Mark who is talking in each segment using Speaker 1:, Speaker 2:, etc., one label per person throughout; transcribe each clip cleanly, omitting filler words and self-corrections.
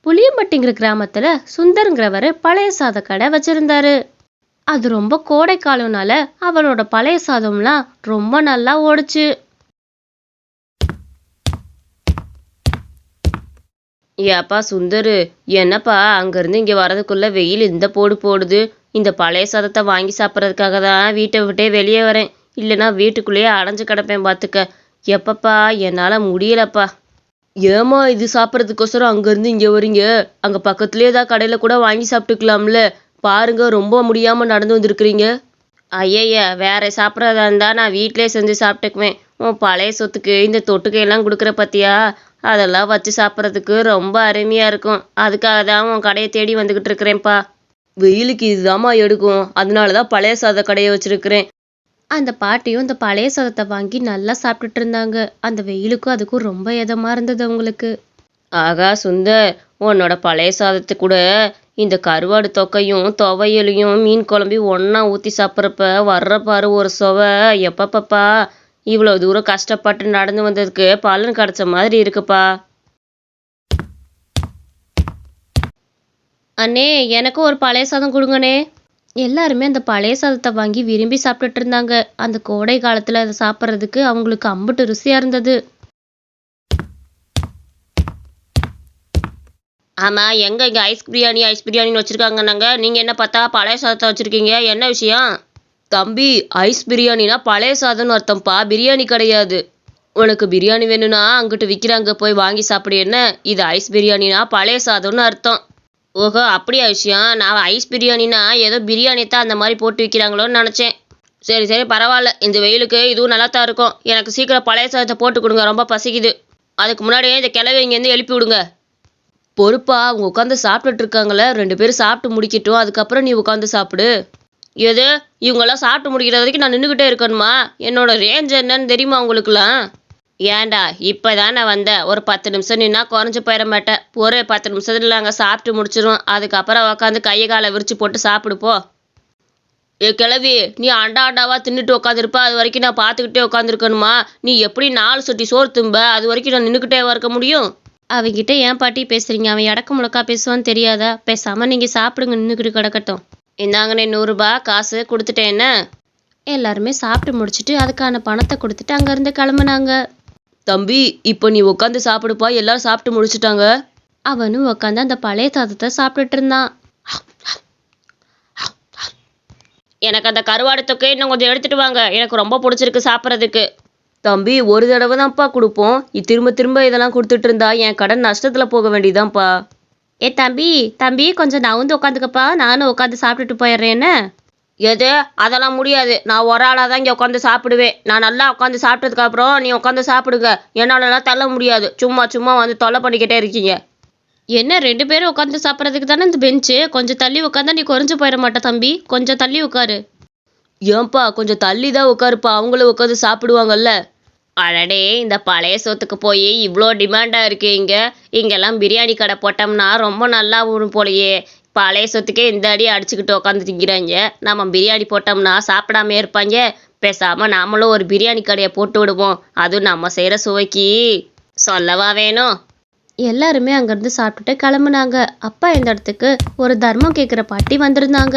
Speaker 1: புளியம்பட்டிங்கிற கிராமத்துல சுந்தருங்கிறவர் பழைய சாத கடை வச்சிருந்தாரு. அது ரொம்ப கோடை காலம்னால அவரோட பழைய சாதம்லாம் ரொம்ப நல்லா ஓடுச்சு.
Speaker 2: ஏப்பா சுந்தரு, என்னப்பா அங்கேருந்து இங்கே வரதுக்குள்ள வெயில் இந்த போடு போடுது. இந்த பழைய சாதத்தை வாங்கி சாப்பிட்றதுக்காக தான் வீட்டை விட்டே வெளியே வரேன். இல்லைன்னா வீட்டுக்குள்ளேயே அடைஞ்சு கிடப்பேன் பார்த்துக்க. எப்பப்பா என்னால் முடியலப்பா. ஏம்மா இது சாப்பிட்றதுக்கோசரம் அங்கேருந்து இங்கே வரீங்க? அங்கே பக்கத்துலேயே ஏதாவது கடையில் கூட வாங்கி சாப்பிட்டுக்கலாம்ல. பாருங்க, ரொம்ப முடியாமல் நடந்து வந்திருக்கிறீங்க. ஐயய்யா, வேற சாப்பிட்றதா இருந்தால் நான் வீட்டிலே செஞ்சு சாப்பிட்டுக்குவேன். உன் பழைய சொத்துக்கு இந்த தொட்டுக்கையெல்லாம் கொடுக்குற பத்தியா, அதெல்லாம் வச்சு சாப்பிட்றதுக்கு ரொம்ப அருமையாக இருக்கும். அதுக்காக தான் உன் கடையை தேடி வந்துக்கிட்டு இருக்கிறேன்ப்பா. வெயிலுக்கு இதுதாம்மா எடுக்கும், அதனால தான் பழைய சாத கடையை வச்சிருக்கிறேன்.
Speaker 1: அந்த பாட்டியும் இந்த பழைய சாதத்தை வாங்கி நல்லா சாப்பிட்டுட்டு இருந்தாங்க. அந்த வெயிலுக்கும் அதுக்கும் ரொம்ப இதமா இருந்தது அவங்களுக்கு.
Speaker 2: ஆகா சுந்தர், உன்னோட பழைய சாதத்து கூட இந்த கருவாடு தொக்கையும் துவையலையும் மீன் குழம்பி ஒன்றா ஊற்றி சாப்பிட்றப்ப வர்ற பாரு ஒரு சுவை. எப்பப்பப்பா, இவ்வளோ தூரம் கஷ்டப்பட்டு நடந்து வந்ததுக்கு பலன் கிடைச்ச மாதிரி இருக்குப்பா.
Speaker 1: அண்ணே, எனக்கும் ஒரு பழைய சாதம் கொடுங்கண்ணே. எல்லாருமே அந்த பழைய சாதத்தை வாங்கி விரும்பி சாப்பிட்டுட்டு இருந்தாங்க. அந்த கோடை காலத்துல அதை சாப்பிட்றதுக்கு அவங்களுக்கு அம்புட்டு ருசியா இருந்தது.
Speaker 2: ஆமாம், எங்கே இங்கே ஐஸ் பிரியாணின்னு வச்சுருக்காங்கன்னாங்க. நீங்கள் என்ன பார்த்தா பழைய சாதத்தை வச்சுருக்கீங்க? என்ன விஷயம்? தம்பி, ஐஸ் பிரியாணினா பழைய சாதம்னு அர்த்தம்ப்பா, பிரியாணி கிடையாது. உனக்கு பிரியாணி வேணும்னா அங்கிட்டு விற்கிறாங்க, போய் வாங்கி சாப்பிடு. என்ன இது ஐஸ் பிரியாணினா பழைய சாதம்னு அர்த்தம். ஓஹோ, அப்படியா விஷயம்? நான் ஐஸ் பிரியாணினா ஏதோ பிரியாணி தான் அந்த மாதிரி போட்டு விற்கிறாங்களோன்னு நினச்சேன். சரி சரி, பரவாயில்ல. இந்த வெயிலுக்கு இதுவும் நல்லா தான் இருக்கும். எனக்கு சீக்கிரம் பழைய சாதத்தை போட்டு கொடுங்க, ரொம்ப பசிக்குது. அதுக்கு முன்னாடியே இந்த கிளவி இங்கேருந்து எழுப்பி விடுங்க. பொறுப்பா, அவங்க உட்காந்து சாப்பிட்டுட்டு இருக்காங்களே, 2 பேரும் சாப்பிட்டு முடிக்கட்டும், அதுக்கப்புறம் நீ உட்காந்து சாப்பிடு. எது, இவங்கெல்லாம் சாப்பிட்டு முடிக்கிற வரைக்கும் நான் நின்றுக்கிட்டே இருக்கணுமா? என்னோட ரேஞ்ச் என்னன்னு தெரியுமா உங்களுக்குலாம்? ஏன்டா, இப்போ தானே வந்தேன். ஒரு 10 நிமிஷம் நின்னா குறைஞ்சி போயிட மாட்டேன். ஒரு 10 நிமிஷத்துல நாங்கள் சாப்பிட்டு முடிச்சிடும். அதுக்கப்புறம் உட்காந்து கையை காலை விரிச்சு போட்டு சாப்பிடுப்போ. ஏ கிளவி, நீ அண்டாவா தின்னுட்டு உட்காந்துருப்ப, அது வரைக்கும் நான் பார்த்துக்கிட்டே உட்காந்துருக்கணுமா? நீ எப்படி 4 சொட்டி சோறு தும்ப, அது வரைக்கும் நான் நின்றுக்கிட்டே இருக்க முடியும்?
Speaker 1: அவங்கிட்ட ஏன் பாட்டி பேசுறீங்க? அவன் இடக்கு முழக்கா பேசுவான்னு தெரியாதா? பேசாம நீங்க சாப்பிடுங்க, நின்றுக்கிட்டு கிடக்கட்டும்.
Speaker 2: இந்தாங்கண்ணே 100 ரூபாய் காசு கொடுத்துட்டேன். என்ன?
Speaker 1: எல்லாருமே சாப்பிட்டு முடிச்சுட்டு அதுக்கான பணத்தை கொடுத்துட்டு அங்கேருந்து கிளம்புனாங்க.
Speaker 2: தம்பி, இப்போ நீ உட்காந்து சாப்பிடுப்பா, எல்லாரும் சாப்பிட்டு முடிச்சுட்டாங்க.
Speaker 1: அவனும் உட்காந்து அந்த பழைய சாதத்தை சாப்பிட்டுட்டு இருந்தான்.
Speaker 2: எனக்கு அந்த கருவாடு தொக்கை இன்னும் கொஞ்சம் எடுத்துட்டு வாங்க, எனக்கு ரொம்ப பிடிச்சிருக்கு சாப்பிட்றதுக்கு. தம்பி, ஒரு தடவை தான்ப்பா கொடுப்போம். திரும்ப திரும்ப இதெல்லாம் கொடுத்துட்டு இருந்தா என் கடன் நஷ்டத்தில் போக வேண்டியதான்ப்பா.
Speaker 1: ஏ தம்பி தம்பி, கொஞ்சம் நவுந்து உட்காந்துக்கப்பா, நானும் உட்காந்து சாப்பிட்டுட்டு போயிடுறேன்னு.
Speaker 2: எது? அதெல்லாம் முடியாது. நான் ஒரு ஆளாக தான் இங்கே உட்காந்து சாப்பிடுவேன். நான் நல்லா உட்காந்து சாப்பிட்டதுக்கப்புறம் நீ உட்காந்து சாப்பிடுங்க. என்னாலலாம் தள்ள முடியாது. சும்மா சும்மா வந்து தொல்லை பண்ணிக்கிட்டே இருக்கீங்க.
Speaker 1: என்ன 2 பேரும் உட்காந்து சாப்பிட்றதுக்கு தானே இந்த பெஞ்சு? கொஞ்சம் தள்ளி உட்காந்தா நீ குறைஞ்சு போயிட மாட்ட தம்பி, கொஞ்சம் தள்ளி உட்காரு.
Speaker 2: ஏன்பா, கொஞ்சம் தள்ளி தான் உட்காருப்பா, அவங்களும் உட்காந்து சாப்பிடுவாங்கல்ல. அடடே, இந்த பழைய சோத்துக்கு போய் இவ்வளோ டிமாண்டாக இருக்குது. இங்கெல்லாம் பிரியாணி கடை போட்டோம்னா ரொம்ப நல்லா வரும் போலையே. பழைய சொத்துக்கே இந்த அடி அடிச்சுக்கிட்டு உட்காந்து திங்கிறாங்க. நம்ம பிரியாணி போட்டோம்னா சாப்பிடாம இருப்பாங்க. பேசாமல் நாமளும் ஒரு பிரியாணி கடையை போட்டு விடுவோம். அதுவும் நம்ம செய்கிற சுவைக்கு சொல்லவா வேணும்.
Speaker 1: எல்லாருமே அங்கேருந்து சாப்பிட்டுட்டு கிளம்புனாங்க. அப்பா இந்த இடத்துக்கு ஒரு தர்மம் கேட்குற பாட்டி வந்திருந்தாங்க.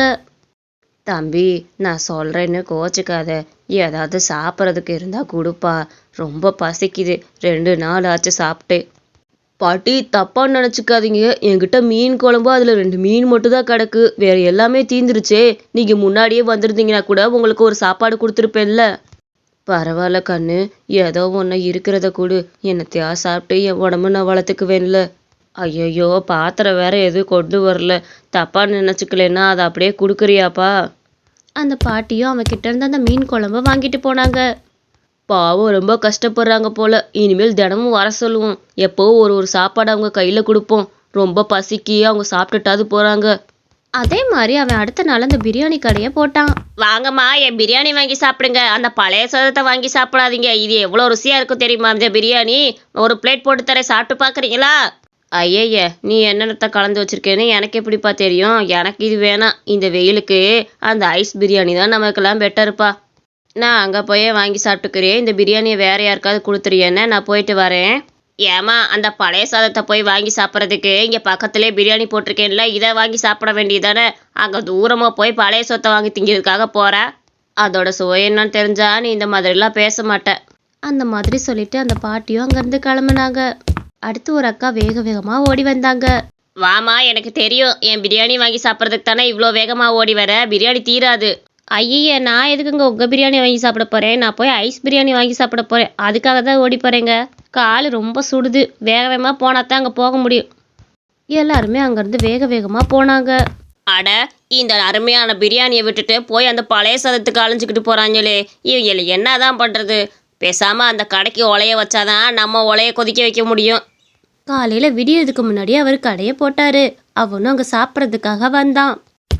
Speaker 2: தம்பி, நான் சொல்கிறேன்னு கோச்சிக்காத. ஏதாவது சாப்பிட்றதுக்கு இருந்தால் கொடுப்பா, ரொம்ப பசிக்குது. 2 நாள் ஆச்சு சாப்பிட்டு. பாட்டி, தப்பாக நினச்சிக்காதீங்க. என்கிட்ட மீன் குழம்பு, அதில் 2 மீன் மட்டும் தான் கிடக்கு. வேறு எல்லாமே தீந்துருச்சே. நீங்கள் முன்னாடியே வந்திருந்தீங்கன்னா கூட உங்களுக்கு ஒரு சாப்பாடு கொடுத்துருப்பேன்ல. பரவாயில்ல கண்ணு, ஏதோ ஒன்று இருக்கிறத கொடு. என்னத்தையா சாப்பிட்டு என் உடம்பு நான் வளர்த்துக்குவேன்ல. ஐயையோ, பாத்திரம் வேற எதுவும் கொண்டு வரல. தப்பாக நினச்சிக்கலன்னா அதை அப்படியே கொடுக்குறியாப்பா?
Speaker 1: அந்த பாட்டியும் அவன்கிட்ட இருந்து அந்த மீன் குழம்பு வாங்கிட்டு போனாங்க.
Speaker 2: பாவம், ரொம்ப கஷ்டப்படுறாங்க போல. இனிமேல் தினமும் வர சொல்லுவோம். எப்போ ஒரு சாப்பாடு அவங்க கையில் கொடுப்போம். ரொம்ப பசிக்கு அவங்க சாப்பிட்டுட்டாது போகிறாங்க.
Speaker 1: அதே மாதிரி அவன் அடுத்த நாள் அந்த பிரியாணி கடையை போட்டான்.
Speaker 2: வாங்கம்மா, என் பிரியாணி வாங்கி சாப்பிடுங்க. அந்த பழைய சாதத்தை வாங்கி சாப்பிடாதீங்க. இது எவ்வளோ ருசியாக இருக்கும் தெரியுமா இந்த பிரியாணி? ஒரு பிளேட் போட்டு தரேன், சாப்பிட்டு பார்க்குறீங்களா? ஐயய்ய, நீ என்னென்னத்தை கலந்து வச்சிருக்கேன்னு எனக்கு எப்படிப்பா தெரியும்? எனக்கு இது வேணாம். இந்த வெயிலுக்கு அந்த ஐஸ் பிரியாணி தான் நமக்கெல்லாம் பெட்டருப்பா. நான் அங்கே போய் வாங்கி சாப்பிட்டுக்கிறேன். இந்த பிரியாணியை வேற யாருக்காவது கொடுத்துறியேன்னு நான் போயிட்டு வரேன். ஏமா அந்த பழைய சாதத்தை போய் வாங்கி சாப்பிட்றதுக்கு இங்கே பக்கத்துலேயே பிரியாணி போட்டிருக்கேன்ல, இதை வாங்கி சாப்பிட வேண்டியதானே? அங்கே தூரமாக போய் பழைய சொத்தை வாங்கி திங்கிறதுக்காக போற? அதோட சுவை என்னன்னு தெரிஞ்சா நீ இந்த மாதிரிலாம் பேச மாட்ட.
Speaker 1: அந்த மாதிரி சொல்லிட்டு அந்த பாட்டியும் அங்கேருந்து கிளம்புனாங்க. அடுத்து ஒரு அக்கா வேக வேகமாக ஓடி வந்தாங்க.
Speaker 2: வாமா, எனக்கு தெரியும் என் பிரியாணி வாங்கி சாப்பிட்றதுக்கு தானே இவ்வளோ வேகமாக ஓடி வர. பிரியாணி தீராது.
Speaker 1: ஐயே, நான் எதுக்குங்க உங்கள் பிரியாணி வாங்கி சாப்பிட போகிறேன்? நான் போய் ஐஸ் பிரியாணி வாங்கி சாப்பிட போகிறேன். அதுக்காக தான் ஓடி போகிறேங்க. கால் ரொம்ப சுடுது. வேக வேகமாக போனால் தான் அங்கே போக முடியும். எல்லாருமே அங்கேருந்து வேக வேகமாக போனாங்க.
Speaker 2: அட, இந்த அருமையான பிரியாணியை விட்டுட்டு போய் அந்த பழைய சாதத்துக்கு அலைஞ்சிக்கிட்டு போகிறாங்களே, இவங்களை என்ன தான் பண்ணுறது? பேசாமல் அந்த கடைக்கு உலைய வச்சாதான் நம்ம உலைய கொதிக்க வைக்க முடியும்.
Speaker 1: காலையில் விடியறதுக்கு முன்னாடி அவர் கடையை போட்டாரு. அவனும் அங்கே சாப்பிட்றதுக்காக வந்தான்.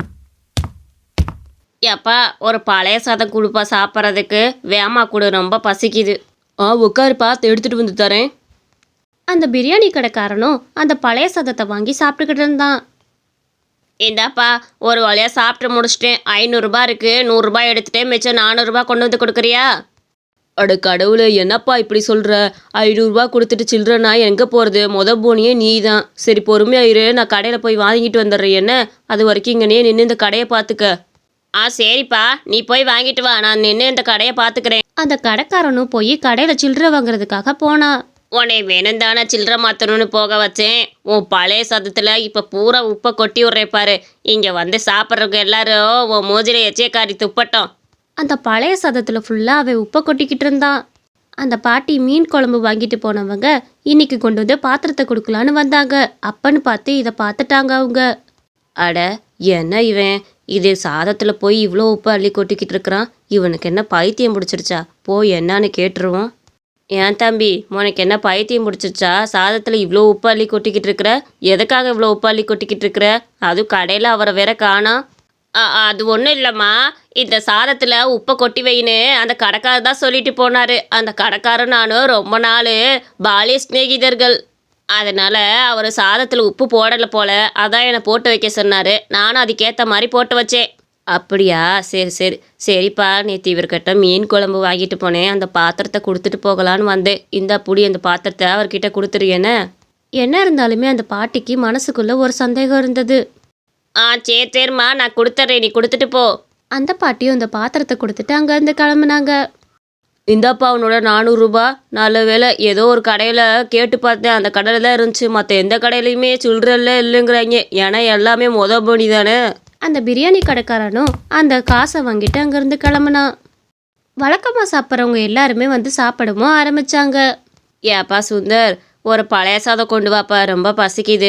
Speaker 2: ஏப்பா, ஒரு பழைய சாதம் கொடுப்பா சாப்பிட்றதுக்கு. வேமா கொடு, ரொம்ப பசிக்குது. உட்காருப்பா, எடுத்துகிட்டு வந்து தரேன்.
Speaker 1: அந்த பிரியாணி கடைக்காரனும் அந்த பழைய சாதத்தை வாங்கி சாப்பிட்டுக்கிட்டு இருந்தான்.
Speaker 2: இந்தாப்பா, ஒரு வழியாக சாப்பிட்டு முடிச்சிட்டேன். 500 இருக்குது. 100 எடுத்துகிட்டே மிச்சம் 400 கொண்டு வந்து கொடுக்குறியா?
Speaker 3: அட கடவுளே, என்னப்பா இப்படி சொல்கிற? 500 கொடுத்துட்டு சில்லறனா எங்கே போகிறது? போனியே நீ தான். சரி, பொறுமையாயிரு, நான் கடையில் போய் வாங்கிட்டு வந்துடுறேன். என்ன, அது வரைக்கும் இங்கனே நின்று இந்த கடையை பார்த்துக்க.
Speaker 2: சரிப்பா, நீ போய் வாங்கிட்டு வா, நான் நின்று இந்த கடையை பார்த்துக்கிறேன்.
Speaker 1: அந்த கடைக்காரனும் போய் கடையில் சில்லறை வாங்குறதுக்காக போனான்.
Speaker 2: உன்னை வேணும் தானே சில்லறை மாற்றணும்னு போக வச்சேன். உன் பழைய சாதத்தில் இப்போ பூரா உப்பை கொட்டி விட்றேன் பாரு. இங்கே வந்து சாப்பிட்றவங்க எல்லாரும் உன் மூஞ்சில எச்சேக்காரி துப்பட்டோம்.
Speaker 1: அந்த பழைய சாதத்தில் ஃபுல்லாக அவன் உப்பை கொட்டிக்கிட்டு இருந்தான். அந்த பாட்டி மீன் குழம்பு வாங்கிட்டு போனவங்க இன்னைக்கு கொண்டு வந்து பாத்திரத்தை கொடுக்கலான்னு வந்தாங்க. அப்பன்னு பார்த்து இதை பார்த்துட்டாங்க அவங்க.
Speaker 2: அட, என்ன இவன் இது சாதத்தில் போய் இவ்வளோ உப்பு அள்ளி கொட்டிக்கிட்டு இருக்கிறான்? இவனுக்கு என்ன பைத்தியம் பிடிச்சிருச்சா? போய் என்னன்னு கேட்டுருவோம். ஏன் தம்பி, உனக்கு என்ன பைத்தியம் பிடிச்சிருச்சா? சாதத்தில் இவ்வளோ உப்பு அள்ளி கொட்டிக்கிட்டு இருக்கிற? எதுக்காக இவ்வளோ உப்பு அள்ளி கொட்டிக்கிட்டு இருக்கிற? அதுவும் கடையில் அவரை வேற காணோம். அது ஒன்றும் இல்லைம்மா, இந்த சாதத்தில் உப்பை கொட்டி வைன்னு அந்த கடைக்காரர் தான் சொல்லிட்டு போனார். அந்த கடைக்காரர் நானும் ரொம்ப நாள் பாலிய சிநேகிதர்கள். அதனால் அவர் சாதத்தில் உப்பு போடலை போல, அதான் என்னை போட்டு வைக்க சொன்னார். நானும் அதுக்கேற்ற மாதிரி போட்டு வச்சேன். அப்படியா? சரி சரி சரிப்பா, நேற்று இவர்கிட்ட மீன் குழம்பு வாங்கிட்டு போனேன். அந்த பாத்திரத்தை கொடுத்துட்டு போகலான்னு வந்தேன். இந்த புடி, அந்த பாத்திரத்தை அவர்கிட்ட கொடுத்துருயேன்னு.
Speaker 1: என்ன இருந்தாலுமே அந்த பாட்டிக்கு மனசுக்குள்ள ஒரு சந்தேகம் இருந்தது.
Speaker 2: சரி சரிம்மா, நான் கொடுத்துட்றேன், நீ கொடுத்துட்டு போ.
Speaker 1: அந்த பாட்டியும் அந்த பாத்திரத்தை கொடுத்துட்டு அங்கேருந்து கிளம்புனாங்க.
Speaker 3: இந்தாப்பா உன்னோட 400. நல்ல வேலை, ஏதோ ஒரு கடையில் கேட்டு பார்த்தேன், அந்த கடையில் தான் இருந்துச்சு. மற்ற எந்த கடையிலையுமே சில்லறெல்லாம் இல்லைங்கிறாங்க. ஏன்னா எல்லாமே போனி தானே.
Speaker 1: அந்த பிரியாணி கடைக்காரனும் அந்த காசை வாங்கிட்டு அங்கேருந்து கிளம்புனான். வழக்கமாக சாப்பிட்றவங்க எல்லாருமே வந்து சாப்பிடவும் ஆரம்பிச்சாங்க.
Speaker 2: ஏப்பா சுந்தர், ஒரு பழைய சாதம் கொண்டு வாப்பா, ரொம்ப பசிக்குது.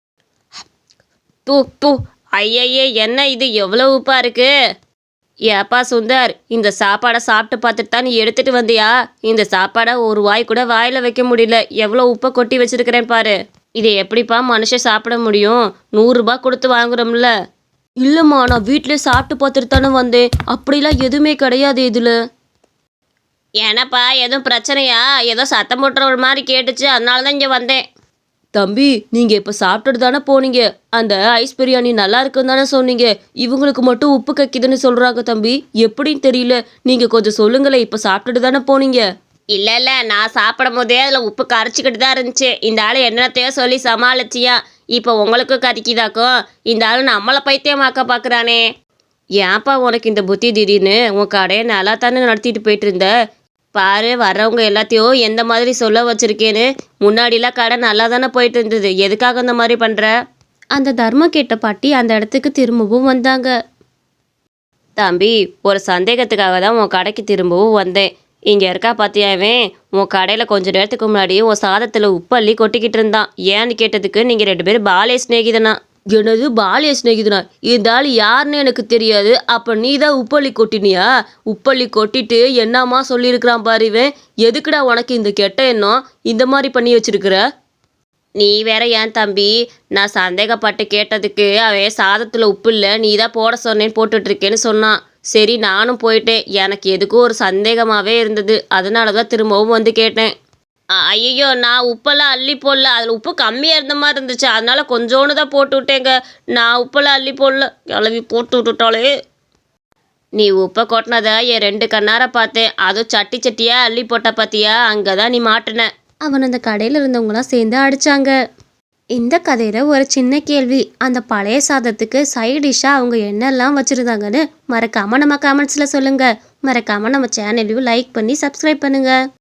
Speaker 2: தூ ஐயையே, என்ன இது எவ்வளோ உப்பா இருக்கு? ஏப்பா சுந்தர், இந்த சாப்பாடை சாப்பிட்டு பார்த்துட்டு தான் நீ எடுத்துட்டு வந்தியா? இந்த சாப்பாடை ஒரு வாய் கூட வாயில் வைக்க முடியல. எவ்வளோ உப்பை கொட்டி வச்சிருக்கிறேன் பாரு. இதை எப்படிப்பா மனுஷன் சாப்பிட முடியும்? 100 கொடுத்து வாங்குறோம்ல.
Speaker 3: இல்லைம்மா, நான் வீட்டிலே சாப்பிட்டு பார்த்துட்டு தானே வந்தேன். அப்படிலாம் எதுவுமே கிடையாது இதில்.
Speaker 2: ஏன்னாப்பா, எதுவும் பிரச்சனையா? ஏதோ சத்தம் போட்டுற ஒரு மாதிரி கேட்டுச்சு, அதனால தான் இங்கே வந்தேன்.
Speaker 3: தம்பி, நீங்கள் இப்போ சாப்பிட்டுட்டு தானே போனீங்க. அந்த ஐஸ் பிரியாணி நல்லா இருக்குன்னு தானே சொன்னீங்க. இவங்களுக்கு மட்டும் உப்பு கக்கிதுன்னு சொல்கிறாங்க தம்பி. எப்படின்னு தெரியல. நீங்கள் கொஞ்சம் சொல்லுங்களேன். இப்போ சாப்பிட்டுட்டு தானே போனீங்க.
Speaker 2: இல்லை, நான் சாப்பிடும் போதே அதில் உப்பு கரைச்சிக்கிட்டு தான் இருந்துச்சு. இந்த ஆள் என்னத்தையோ சொல்லி சமாளிச்சியா. இப்போ உங்களுக்கும் கறிக்குதாக்கும். இந்த ஆள் நம்மளை பைத்தியமாக்க பார்க்குறானே. ஏன்ப்பா உனக்கு இந்த புத்தி திடீர்னு? உன் கடையை நல்லா தானே நடத்திட்டு போயிட்டு இருந்த. பாரு, வர்றவங்க எல்லாத்தையும் எந்த மாதிரி சொல்ல வச்சிருக்கேன்னு. முன்னாடிலாம் கடை நல்லா தானே போயிட்டு இருந்தது. எதுக்காக இந்த மாதிரி பண்ணுற?
Speaker 1: அந்த தர்மம் கேட்ட பாட்டி அந்த இடத்துக்கு திரும்பவும் வந்தாங்க.
Speaker 2: தம்பி, ஒரு சந்தேகத்துக்காக தான் உன் கடைக்கு திரும்பவும் வந்தேன். இங்கே இருக்கா பார்த்தியாவே, உன் கடையில் கொஞ்ச நேரத்துக்கு முன்னாடி உன் சாதத்தில் உப்பு அள்ளி கொட்டிக்கிட்டு இருந்தான். ஏன்னு கேட்டதுக்கு நீங்கள் 2 பேரும் பாலிய சிநேகிதனா.
Speaker 3: எனது பாலிய சிநேகிதனா? இந்த ஆள் யாருன்னு எனக்கு தெரியாது. அப்போ நீ தான் உப்பள்ளி கொட்டினியா? உப்பள்ளி கொட்டிட்டு என்னம்மா சொல்லியிருக்கிறான் பாரு இவன். எதுக்குடா உனக்கு இந்த கெட்ட எண்ணம்? இந்த மாதிரி பண்ணி வச்சிருக்கிற?
Speaker 2: நீ வேற ஏன் தம்பி, நான் சந்தேகப்பட்டு கேட்டதுக்கு அவன் சாதத்தில் உப்பு இல்லை, நீ தான் போட சொன்னேன்னு போட்டுட்ருக்கேன்னு சொன்னான். சரி, நானும் போயிட்டேன். எனக்கு எதுக்கும் ஒரு சந்தேகமாகவே இருந்தது. அதனால தான் திரும்பவும் வந்து கேட்டேன். ஐயோ, நான் உப்பெல்லாம் அள்ளி போடல. அதில் உப்பு கம்மியாக இருந்த மாதிரி இருந்துச்சு, அதனால கொஞ்சோண்டு தான் போட்டு விட்டேங்க. நான் உப்பெல்லாம் அள்ளி போடல. கிளவி போட்டு விட்டுட்டாலே. நீ உப்பை கொட்டினதை என் 2 கண்ணார பார்த்தேன். அதுவும் சட்டியாக அள்ளி போட்ட பார்த்தியா? அங்கே தான் நீ மாட்டின.
Speaker 1: அவன் அந்த கடையில் இருந்தவங்களாம் சேர்ந்து அடிச்சாங்க. இந்த கதையில ஒரு சின்ன கேள்வி, அந்த பழைய சாதத்துக்கு சைட் டிஷ்ஷா அவங்க என்னெல்லாம் வச்சிருந்தாங்கன்னு மறக்காம நம்ம கமெண்ட்ஸ்ல சொல்லுங்க. மறக்காம நம்ம சேனலையும் லைக் பண்ணி சப்ஸ்கிரைப் பண்ணுங்க.